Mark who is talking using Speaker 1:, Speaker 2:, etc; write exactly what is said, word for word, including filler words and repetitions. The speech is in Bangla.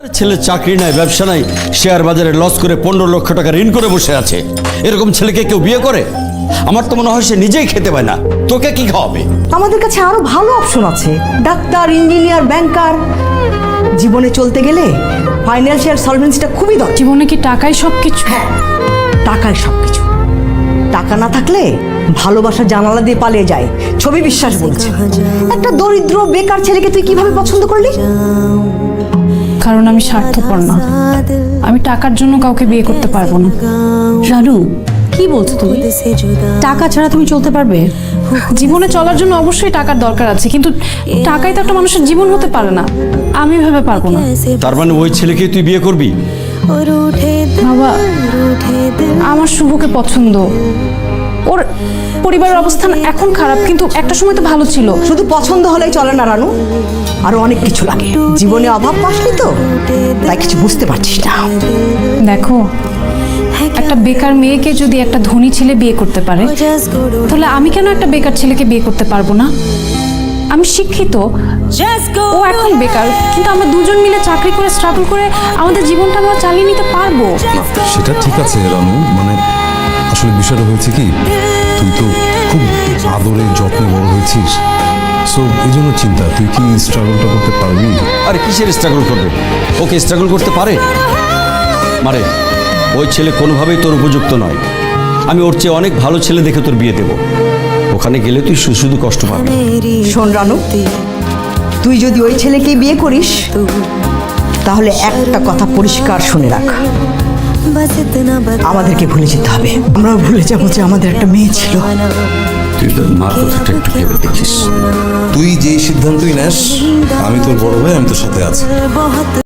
Speaker 1: ছেলে চাকরি নাই, ব্যবসা নাই, শেয়ার বাজারে লস করে পনেরো লক্ষ টাকা ঋণ করে বসে আছে। এরকম ছেলেকে কেউ বিয়ে করে? আমার তো মনে হয় সে নিজেই খেতে পায় না, তোকে কি খাওয়াবে?
Speaker 2: আমাদের কাছে আরো ভালো অপশন আছে, ডাক্তার, ইঞ্জিনিয়ার, ব্যাংকার। জীবনে চলতে গেলে ফাইন্যান্সিয়াল সলভেন্সিটা খুবই দরকার।
Speaker 3: জীবনে কি টাকাই সবকিছু?
Speaker 2: হ্যাঁ, টাকায় সবকিছু। টাকা না থাকলে ভালোবাসা জানালা দিয়ে পালিয়ে যায়। ছবি বিশ্বাস বলছে। একটা দরিদ্র বেকার ছেলেকে তুই কিভাবে পছন্দ করলি?
Speaker 3: কারণ আমি স্বার্থপর না। আমি টাকার জন্য কাউকে বিয়ে করতে পারবো না।
Speaker 4: রানু, কি বলছো তুমি? টাকা ছাড়া তুমি চলতে পারবে?
Speaker 3: জীবনে চলার জন্য অবশ্যই টাকার দরকার আছে, কিন্তু টাকাই তো একটা মানুষের জীবন হতে পারে না। আমি ভেবে পারবো না।
Speaker 1: তার মানে ওই ছেলেকে তুই বিয়ে করবি?
Speaker 3: বাবা, আমার শুভকে পছন্দ। ওর পরিবারের অবস্থান এখন খারাপ, কিন্তু একটা সময় তো ভালো ছিল।
Speaker 2: শুধু পছন্দ হলেই চলে না রানু, আরো অনেক কিছু লাগে। জীবনে অভাব পাসনি তো, তাই কিছু বুঝতে পারছিস না।
Speaker 3: দেখো, একটা বেকার মেয়েকে যদি একটা ধনী ছেলে বিয়ে করতে পারে, তাহলে আমি কেন একটা বেকার ছেলেকে বিয়ে করতে পারবো না? আমি শিক্ষিত, ও এখন বেকার, কিন্তু আমরা দুজন মিলে চাকরি করে স্ট্রাগল করে আমাদের জীবনটা আমরা চালিয়ে নিতে পারবো।
Speaker 5: সেটা ঠিক আছে রানু, মানে আসলে বিষয়টা হয়েছে কি, তুই তো খুব আদরে যত্নে বড় হয়েছিস, সো এই জন্য চিন্তা। তুই কি স্ট্রাগলটা করতে পারবি?
Speaker 1: আরে কিসের স্ট্রাগল করবে? ওকে স্ট্রাগল করতে পারে? মারে, ওই ছেলে কোনোভাবেই তোর উপযুক্ত নয়। আমি ওর চেয়ে অনেক ভালো ছেলে দেখে তোর বিয়ে দেবো। ওখানে গেলে তুই শুধু শুধু কষ্ট পাবি।
Speaker 2: শোন রানু, তুই যদি ওই ছেলেকে বিয়ে করিস, তাহলে একটা কথা পরিষ্কার শুনে রাখ, আমাদেরকে ভুলে যেতে হবে। আমরা ভুলে যাবো যে আমাদের একটা মেয়ে ছিল।
Speaker 1: তুই তোর মার কথাটা একটু ভেবে দেখিস।
Speaker 5: তুই যেই সিদ্ধান্তই নেস, আমি তোর বড় ভাই, আমি তোর সাথে আছি।